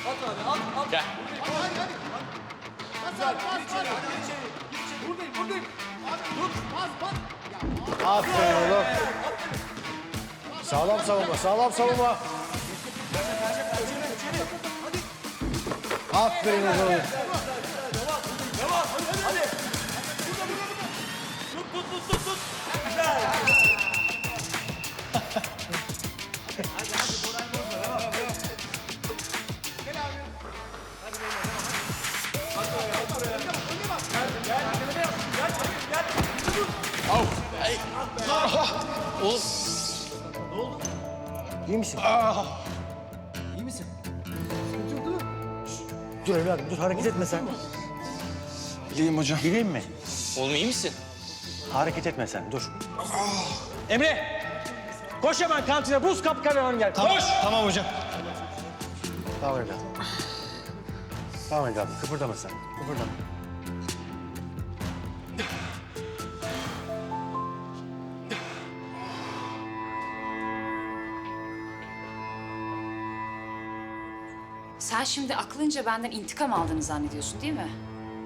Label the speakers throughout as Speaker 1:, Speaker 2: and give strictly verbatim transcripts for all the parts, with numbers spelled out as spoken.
Speaker 1: abi at at.
Speaker 2: Gel.
Speaker 1: Hadi hadi hadi. Güzel. Gir içeri hadi gir içeri. Gir içeri. Buradayım buradayım. Tut bas bas.
Speaker 3: Aferin oğlum. Sağlam savunma, sağlam savunma. Aferin oğlum.
Speaker 1: Devam hadi hadi. Burada burada burada. Tut tut tut tut tut. Güzel. Hadi hadi Boray bozma. Devam devam. Gel abi. Hadi beyler devam. Hadi oraya hadi oraya. Önüne bak. Gel gel. Gel gel. Gel gel. Dur.
Speaker 2: Au. Ay. Oğlum.
Speaker 1: Ne oldu?
Speaker 3: İyi misin?
Speaker 1: İyi misin?
Speaker 3: Dur evladım, dur hareket etme sen.
Speaker 2: İyiyim hocam.
Speaker 3: Bileyim mi?
Speaker 2: Oğlum iyi misin?
Speaker 3: Hareket etme sen, dur. Emre! Koş hemen kantine, buz kap kararın gel.
Speaker 2: Tamam,
Speaker 3: Koş!
Speaker 2: tamam hocam.
Speaker 3: Tamam evladım. Tamam evladım, kıpırdama sen, kıpırdama.
Speaker 4: Sen şimdi aklınca benden intikam aldığını zannediyorsun değil mi?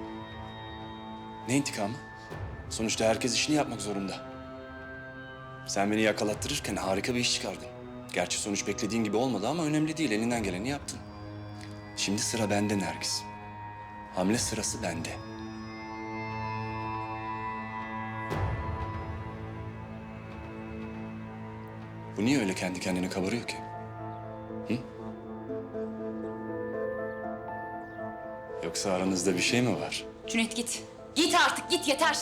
Speaker 5: Ne intikamı? Sonuçta herkes işini yapmak zorunda. Sen beni yakalattırırken harika bir iş çıkardın. Gerçi sonuç beklediğin gibi olmadı ama önemli değil. Elinden geleni yaptın. Şimdi sıra bende Nergis. Hamle sırası bende. Bu niye öyle kendi kendine kabarıyor ki? Hı? Yoksa aranızda bir şey mi var?
Speaker 4: Cüneyt git. Git artık git yeter.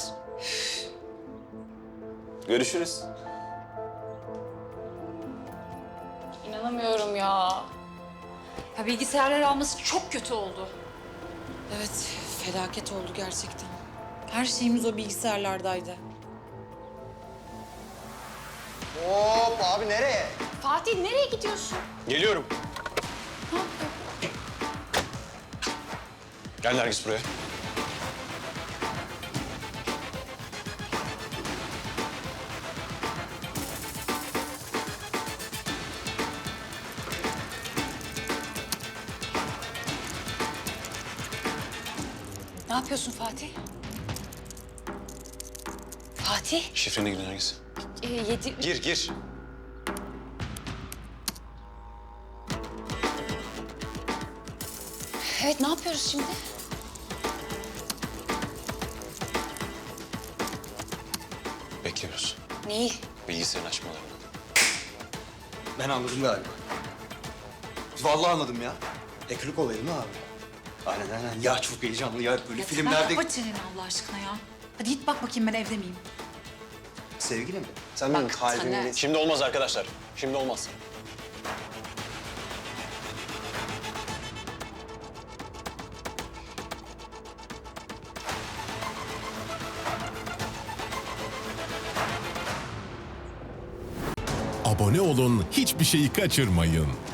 Speaker 5: Görüşürüz.
Speaker 4: İnanamıyorum ya. Ya bilgisayarlar alması çok kötü oldu.
Speaker 6: Evet, felaket oldu gerçekten. Her şeyimiz o bilgisayarlardaydı.
Speaker 7: Hop abi nereye?
Speaker 4: Fatih nereye gidiyorsun?
Speaker 2: Geliyorum. Gel Nergis buraya.
Speaker 4: Ne yapıyorsun Fatih? Fatih?
Speaker 2: Şifrene gir Nergis.
Speaker 4: Ee, yedi...
Speaker 2: Gir, gir.
Speaker 4: Evet ne yapıyoruz şimdi?
Speaker 2: Bekliyoruz.
Speaker 4: Neyi?
Speaker 2: Bilgisayarın açmalarını.
Speaker 7: Ben anladım galiba. Vallahi anladım ya. Ekmek olayı mı abi? Aynen aynen. Ya çok heyecanlı ya. Böyle filmlerde...
Speaker 6: Kapa çeneni Allah aşkına ya. Hadi git bak bakayım ben evde miyim?
Speaker 7: Sevgilim, sen benim kalbimle...
Speaker 6: Taner.
Speaker 2: Şimdi olmaz arkadaşlar. Şimdi olmaz.
Speaker 8: Abone olun, hiçbir şeyi kaçırmayın.